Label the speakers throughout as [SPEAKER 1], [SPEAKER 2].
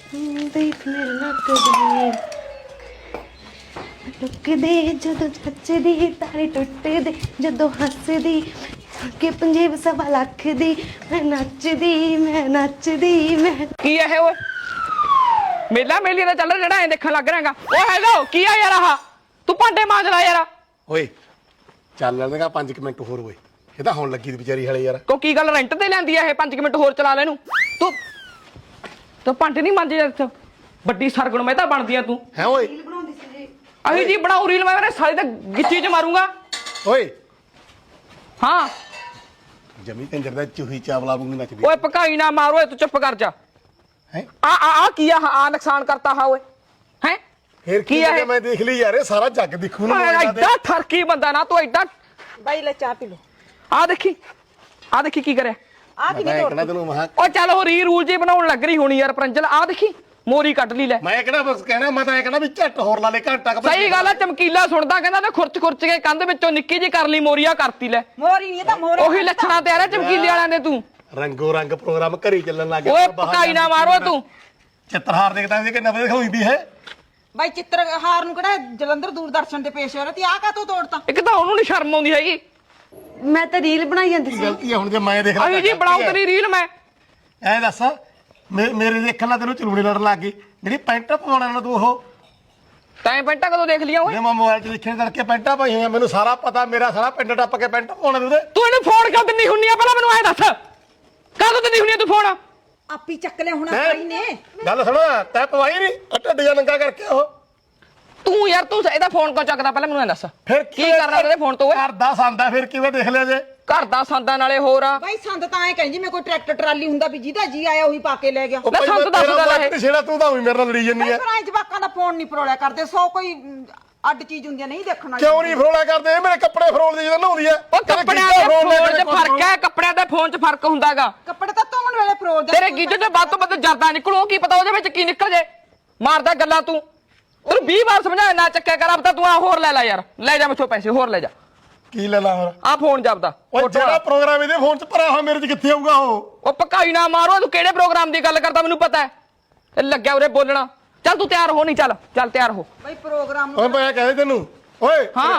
[SPEAKER 1] ਦੇਖ ਮੇਰੇ ਨੱਕ ਦੀ ਟੁੱਕਦੇ ਜਦੋਂ ਛੱਚਦੀ ਤਾਰੇ ਟੁੱਟਦੇ ਜਦੋਂ ਹੱਸਦੀ ਕਿ ਪੰਜੇਬ ਸਵਾ ਲੱਖ ਦੀ ਮੈਂ ਨੱਚਦੀ ਮੈਂ
[SPEAKER 2] ਕੀ ਹੈ ਓਏ ਮੇਲਾ ਮੇਲੀ ਦਾ ਚੱਲ ਰਿਹਾ ਜਿਹੜਾ ਐ ਦੇਖਣ ਲੱਗ ਰਿਹਾਗਾ ਓ ਹੈਲੋ ਕੀ ਆ ਯਾਰ ਆਹ ਤੂੰ ਭਾਂਡੇ ਮਾਂਜ ਲੈ ਯਾਰ
[SPEAKER 3] ਓਏ ਚੱਲ ਲੈਣਗਾ 5 ਮਿੰਟ ਹੋਰ ਓਏ ਇਹ ਤਾਂ ਹੁਣ ਲੱਗੀ ਦੀ ਵਿਚਾਰੀ ਹਲੇ ਯਾਰ
[SPEAKER 2] ਕੋ ਕੀ ਗੱਲ ਰੈਂਟ ਤੇ ਲੈਂਦੀ ਆ ਇਹ 5 ਮਿੰਟ ਹੋਰ ਚਲਾ ਲੈ ਇਹਨੂੰ ਤੂੰ ਭਾਂਡੇ ਨਹੀਂ ਮਾਂਜੇ ਯਾਰ ਵੱਡੀ ਸਰਗੁਣ ਮੈਂ ਤਾਂ ਬਣਦੀ ਆ ਤੂੰ
[SPEAKER 3] ਹੈ ਓਏ
[SPEAKER 1] ਬਣਾਉਂਦੀ ਸੀ ਜੀ
[SPEAKER 2] ਅਹੀ ਜੀ ਬਣਾਉ ਰੀਲ ਮੈਂ ਮੇਰੇ ਸਾਲੇ ਤੇ ਗਿੱਚੀ ਚ ਮਾਰੂੰਗਾ
[SPEAKER 3] ਓਏ
[SPEAKER 2] ਹਾਂ
[SPEAKER 3] ਜਮੀ ਕੰਜਰ ਦਾ ਚੂਹੀ ਚਾਵਲਾ ਵਾਂਗੂ ਨੱਚਦੀ
[SPEAKER 2] ਓਏ ਪਕਾਈ ਨਾ ਮਾਰ ਓਏ ਤੂੰ ਚੁੱਪ ਕਰ ਜਾ
[SPEAKER 3] ਹੈ
[SPEAKER 2] ਆ ਕੀ ਆ ਨੁਕਸਾਨ ਕਰਤਾ ਹਾ ਓਏ ਹੈ
[SPEAKER 3] ਫੇਰ ਕੀ
[SPEAKER 2] ਆ
[SPEAKER 3] ਹੈ
[SPEAKER 2] ਇਹ?
[SPEAKER 3] ਮੈਂ ਦੇਖ ਲਈ ਯਾਰ ਇਹ ਸਾਰਾ ਜੱਗ ਦਿਖੂ ਨੂੰ
[SPEAKER 2] ਐਡਾ ਠਰਕੀ ਬੰਦਾ ਨਾ ਤੂੰ ਐਡਾ
[SPEAKER 1] ਬਾਈ ਲੈ ਚਾਹ ਪੀ ਲੋ
[SPEAKER 2] ਆ ਦੇਖੀ ਕੀ ਕਰਿਆ
[SPEAKER 1] ਆ ਕੀ
[SPEAKER 3] ਮੈਂ ਕਹਿਣਾ ਤੈਨੂੰ ਮਹਾ
[SPEAKER 2] ਓ ਚੱਲ ਉਹ ਰੂਲ ਜੇ ਬਣਾਉਣ ਲੱਗ ਰਹੀ ਹੋਣੀ ਯਾਰ ਪਰੰਜਲ ਆ ਦੇਖੀ ਮੋਰੀ ਕੱਢ ਲਈ ਲੈ
[SPEAKER 3] ਮੈਂ ਕਿਹੜਾ ਬਸ ਕਹਿਣਾ ਮੈਂ ਤਾਂ ਇਹ ਕਹਿਣਾ ਵੀ ਝੱਟ ਹੋਰ ਲਾ ਲੈ ਘੰਟਾ ਕੁ
[SPEAKER 2] ਸਹੀ ਗੱਲ ਆ ਚਮਕੀਲਾ ਸੁਣਦਾ ਕਹਿੰਦਾ ਤੇ ਖੁਰਚ ਕੇ ਕੰਧ ਵਿੱਚੋਂ ਨਿੱਕੀ ਜੀ ਕਰ ਲਈ ਮੋਰੀਆ ਕਰਤੀ ਲੈ
[SPEAKER 1] ਮੋਰੀ ਨਹੀਂ ਤਾਂ ਮੋਰੀ
[SPEAKER 2] ਉਹੀ ਲੱਛਣਾ ਤੇ ਆ ਰਿਹਾ ਚਮਕੀਲੇ ਵਾਲਿਆਂ ਦੇ ਤੂੰ
[SPEAKER 3] ਰੰਗੋ ਰੰਗ ਪ੍ਰੋਗਰਾਮ ਘਰੀ ਚੱਲਣ ਲੱਗ ਗਿਆ
[SPEAKER 2] ਓਏ ਪਕਾਈ ਨਾ ਮਾਰੋ ਤੂੰ
[SPEAKER 3] ਚਿੱਤਰਹਾਰ ਦੇਖਦਾ ਸੀ ਕਿ ਨਵੇਂ ਦਿਖਾਉਂਦੀ ਹੈ
[SPEAKER 1] ਬਾਈ ਚਿੱਤਰਹਾਰ ਨੂੰ ਕਿਹੜਾ ਜਲੰਧਰ ਦੂਰਦਰਸ਼ਨ ਤੇ ਪੇਸ਼ ਹੋ ਰਿਹਾ ਤੇ ਆ ਕਾ ਤੂੰ ਤੋੜਤਾ
[SPEAKER 2] ਇੱਕ ਤਾਂ ਉਹਨੂੰ ਨਹੀਂ ਸ਼ਰਮ ਆਉਂਦੀ ਹੈਗੀ
[SPEAKER 1] ਮੈਂ ਤਾਂ ਰੀਲ ਬਣਾਈ ਜਾਂਦੀ ਸੀ
[SPEAKER 3] ਗਲਤੀ ਹੈ ਹੁਣ ਜੇ ਮੈਂ ਦੇਖ
[SPEAKER 2] ਅਹੀ ਜੀ ਬਣਾਉ ਤੇਰੀ ਰੀਲ ਮੈਂ
[SPEAKER 3] ਐ ਦੱਸ ਮੇਰੇ ਦੇਖਣ ਨਾਲ ਤੈਨੂੰ ਚਲੂੜੇ ਲੜਨ ਲੱਗ ਗਈ ਜਿਹੜੀ ਪੈਂਟ ਪਵਾਉਣਾ ਨਾ ਤੂੰ ਉਹ
[SPEAKER 2] ਤੈਂ ਪੈਂਟਾਂ ਕਦੋਂ ਦੇਖ ਲਿਆ ਓਏ
[SPEAKER 3] ਜੇ ਮੈਂ ਮੋਬਾਈਲ 'ਚ ਦੇਖਣ ਤੜਕੇ ਪੈਂਟਾਂ ਪਾਈ ਹੋਈਆਂ ਮੈਨੂੰ ਸਾਰਾ ਪਤਾ ਮੇਰਾ ਸਾਰਾ ਪਿੰਡ ਟੱਪ ਕੇ ਪੈਂਟ ਪਾਉਣਾ ਉਹਦੇ
[SPEAKER 2] ਤੂੰ ਇਹਨੂੰ ਫੋਨ ਕਿਉਂ ਦਿੰਦੀ ਹੁੰਨੀ ਆ ਪਹਿਲਾਂ ਮੈਨੂੰ ਐ ਦੱਸ ਕਦੋਂ ਦਿੰਦੀ ਹੁੰਨੀ ਆ ਤੂੰ ਫੋਨ
[SPEAKER 1] ਆਪੀ ਚੱਕ ਲਿਆ ਹੁਣ
[SPEAKER 3] ਹੈਂ?
[SPEAKER 1] ਬਾਈ ਨੇ
[SPEAKER 3] ਗੱਲ ਸੁਣ ਤੈਂ ਪਵਾਈ ਨਹੀਂ ਢੱਡ ਜਾਂ ਨੰਗਾ ਕਰਕੇ ਉਹ
[SPEAKER 2] ਤੂੰ ਯਾਰ ਤੂੰ ਇਹਦਾ ਫੋਨ ਕਿਉਂ ਚੱਕਦਾ ਪਹਿਲਾਂ ਮੈਨੂੰ ਐ ਦੱਸ
[SPEAKER 3] ਫਿਰ
[SPEAKER 2] ਕੀ ਕਰਨਾ ਉਹਦੇ ਫੋਨ ਤੋਂ ਓਏ
[SPEAKER 3] ਘਰ ਦਾ ਸੰਦਾ ਫਿਰ ਕਿਵੇਂ ਦੇਖ ਲਿਆ ਜੇ
[SPEAKER 2] ਘਰ ਦਾ ਸੰਦਾਂ ਨਾਲੇ ਹੋਰ ਆ
[SPEAKER 1] ਬਾਈ ਸੰਦ ਤਾਂ ਐ ਕਹਿੰਦੀ ਮੈਂ ਕੋਈ ਟਰੈਕਟਰ ਟਰਾਲੀ ਹੁੰਦਾ ਵੀ ਜਿਹਦਾ ਜੀ ਆਇਆ ਉਹੀ ਪਾ ਕੇ ਲੈ ਗਿਆ
[SPEAKER 3] ਉਹ
[SPEAKER 2] ਲੈ
[SPEAKER 3] ਭਾਈ
[SPEAKER 2] ਸੰਦ
[SPEAKER 3] ਮੈਂ
[SPEAKER 2] ਦੱਸ
[SPEAKER 3] ਤੇਰਾ
[SPEAKER 2] ਗੱਲ ਇਹ।
[SPEAKER 3] ਵਕਤ ਛੇੜਾ ਤੂੰ ਤਾਂ ਉਹੀ ਮੇਰੇ ਨਾਲ ਲੜੀ ਜੰਨੀ ਆ
[SPEAKER 1] ਪਰ ਐ ਜਵਾਕਾਂ ਦਾ ਫੋਨ ਨਹੀਂ ਫਰੋਲਿਆ ਕਰਦੇ ਸੋ ਕੋਈ ਅੱਡ ਚੀਜ਼ ਹੁੰਦੀ ਆ ਨਹੀਂ ਦੇਖਣ ਵਾਲੀ
[SPEAKER 3] ਕਿਉਂ ਨਹੀਂ ਫਰੋਲਾ ਕਰਦੇ ਇਹ ਮੇਰੇ ਕੱਪੜੇ ਫਰੋਲਦੀ ਜਦੋਂ ਨਹਾਉਂਦੀ ਆ
[SPEAKER 2] ਉਹ ਕੱਪੜਿਆਂ ਦੇ ਫੋਨ 'ਚ ਫਰਕ ਹੈ ਕੱਪੜਿਆਂ ਦੇ ਫੋਨ 'ਚ ਫਰਕ ਹੁੰਦਾਗਾ
[SPEAKER 1] ਕੱਪੜੇ ਤਾਂ ਧੋਣ ਵੇਲੇ ਫਰੋਲਦੇ
[SPEAKER 2] ਤੇਰੇ ਗੀਜੇ 'ਚ ਵੱਧ ਤੋਂ ਵੱਧ ਜਰਦਾ ਨਿਕਲੂ ਕੀ ਪਤਾ ਉਹਦੇ ਵਿੱਚ ਕੀ ਨਿਕਲ ਜੇ ਮਾਰਦਾ ਗੱਲਾਂ ਤੂੰ ਤੈਨੂੰ 20 ਵਾਰ ਸਮਝਾਇਆ ਨਾ ਚੱਕਿਆ ਕਰ ਅਬ ਤਾਂ ਤੂੰ ਆ ਹੋਰ ਲੈ ਯਾਰ ਲੈ ਜਾ ਮੈਥੋਂ ਪੈਸੇ ਹੋਰ ਲੈ ਜਾ
[SPEAKER 3] ਕੀ ਲੈ ਲਾ ਹੋਰ
[SPEAKER 2] ਆ ਫੋਨ ਜਪਦਾ
[SPEAKER 3] ਉਹ ਜਿਹੜਾ ਪ੍ਰੋਗਰਾਮ ਇਹਦੇ ਫੋਨ 'ਚ ਭਰਿਆ ਹੋਇਆ ਮੇਰੇ 'ਚ ਕਿੱਥੇ ਆਊਗਾ ਉਹ
[SPEAKER 2] ਪਕਾਈ ਨਾ ਮਾਰੋ ਤੂੰ ਕਿਹੜੇ ਪ੍ਰੋਗਰਾਮ ਦੀ ਗੱਲ ਕਰਦਾ ਮੈਨੂੰ ਪਤਾ ਹੈ ਇਹ ਲੱਗਿਆ ਉਰੇ ਬੋਲਣਾ ਚੱਲ ਤੂੰ ਤਿਆਰ ਹੋ ਨਹੀਂ ਚੱਲ ਤਿਆਰ ਹੋ
[SPEAKER 1] ਬਾਈ ਪ੍ਰੋਗਰਾਮ
[SPEAKER 3] ਓਏ ਮੈਂ ਕਹਿੰਦਾ ਤੈਨੂੰ ਓਏ
[SPEAKER 2] ਹਾਂ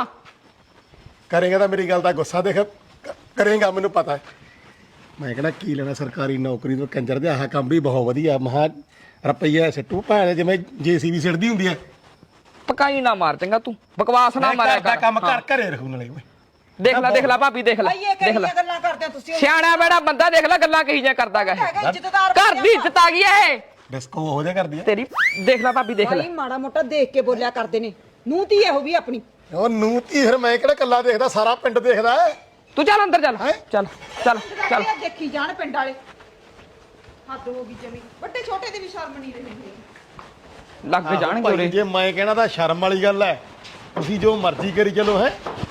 [SPEAKER 3] ਕਰੇਗਾ ਤਾਂ ਮੇਰੀ ਗੱਲ ਦਾ ਗੁੱਸਾ ਦੇਖ ਕਰੇਗਾ ਮੈਨੂੰ ਪਤਾ ਹੈ ਮੈਂ ਕਹਿੰਦਾ ਕੀ ਲੈਣਾ ਸਰਕਾਰੀ ਨੌਕਰੀ ਤੋਂ ਕੰਜਰ ਦੇ ਆਹ ਕੰਮ ਵੀ ਬਹੁਤ ਵਧੀਆ ਮਹਾ ਰੁਪਈਆ ਸਿੱਟੂ ਭਾਵੇਂ ਜਿਵੇਂ ਜੀਸੀਬੀ ਸਿੱਟਦੀ ਹੁੰਦੀ ਹੈ
[SPEAKER 2] ਪਕਾਈ ਨਾ ਮਾਰ ਚੰਗਾ ਤੂੰ ਬਕਵਾਸ ਨਾ ਮਾਰਿਆ
[SPEAKER 3] ਦਾ
[SPEAKER 2] ਕਰ
[SPEAKER 3] ਕੰਮ ਕਰ ਘਰੇ ਰੱਖੂ ਨਾਲੇ ਓਏ
[SPEAKER 2] ਦੇਖ ਲੈ ਭਾਬੀ ਦੇਖ ਲੈ
[SPEAKER 1] ਬਾਈ ਇਹ ਕਿਹੜੀਆਂ ਗੱਲਾਂ ਕਰਦੇ ਹੋ ਤੁਸੀਂ
[SPEAKER 2] ਸਿਆਣਾ ਬੜਾ ਬੰਦਾ ਦੇਖ ਲੈ ਗੱਲਾਂ ਕਹੀ ਜਾਂ ਕਰਦਾਗਾ
[SPEAKER 1] ਹੈਗਾ ਇੱਜ਼ਤਦਾਰ
[SPEAKER 2] ਘਰ ਦੀ ਇੱਜ਼ਤ ਆ ਗਈ ਇਹ
[SPEAKER 3] ਡਿਸਕੋ ਹੋ ਜਾ ਕਰਦੀ ਹੈ
[SPEAKER 2] ਤੇਰੀ ਦੇਖ ਲੈ ਭਾਬੀ ਦੇਖ ਲੈ
[SPEAKER 1] ਬਾਈ ਮਾੜਾ ਮੋਟਾ ਦੇਖ ਕੇ ਬੋਲਿਆ ਕਰਦੇ ਨੇ ਨੂੰ ਧੀ ਇਹੋ ਵੀ ਆਪਣੀ
[SPEAKER 3] ਉਹ ਨੂੰ ਧੀ ਫਿਰ ਮੈਂ ਕਿਹੜਾ ਕੱਲਾ ਦੇਖਦਾ ਸਾਰਾ ਪਿੰਡ ਦੇਖਦਾ ਹੈ
[SPEAKER 2] ਤੂੰ ਚੱਲ ਅੰਦਰ ਚੱਲ
[SPEAKER 1] ਦੇਖੀ ਜਾਣ ਪਿੰਡ ਵਾਲੇ ਹੱਦ ਹੋ ਗਈ ਜਮੀ ਵੱਡੇ ਛੋਟੇ ਦੀ ਵੀ ਸ਼ਰਮ ਨਹੀਂ ਰਹੀ
[SPEAKER 2] ਲੱਗ ਜਾਣਗੇ
[SPEAKER 3] ਭਾਈ
[SPEAKER 2] ਉਰੇ
[SPEAKER 3] ਜੇ ਮੈਂ ਕਹਿਣਾ ਤਾਂ ਸ਼ਰਮ ਵਾਲੀ ਗੱਲ ਹੈ ਤੁਸੀਂ ਜੋ ਮਰਜ਼ੀ ਕਰੀ ਚਲੋ ਹੈ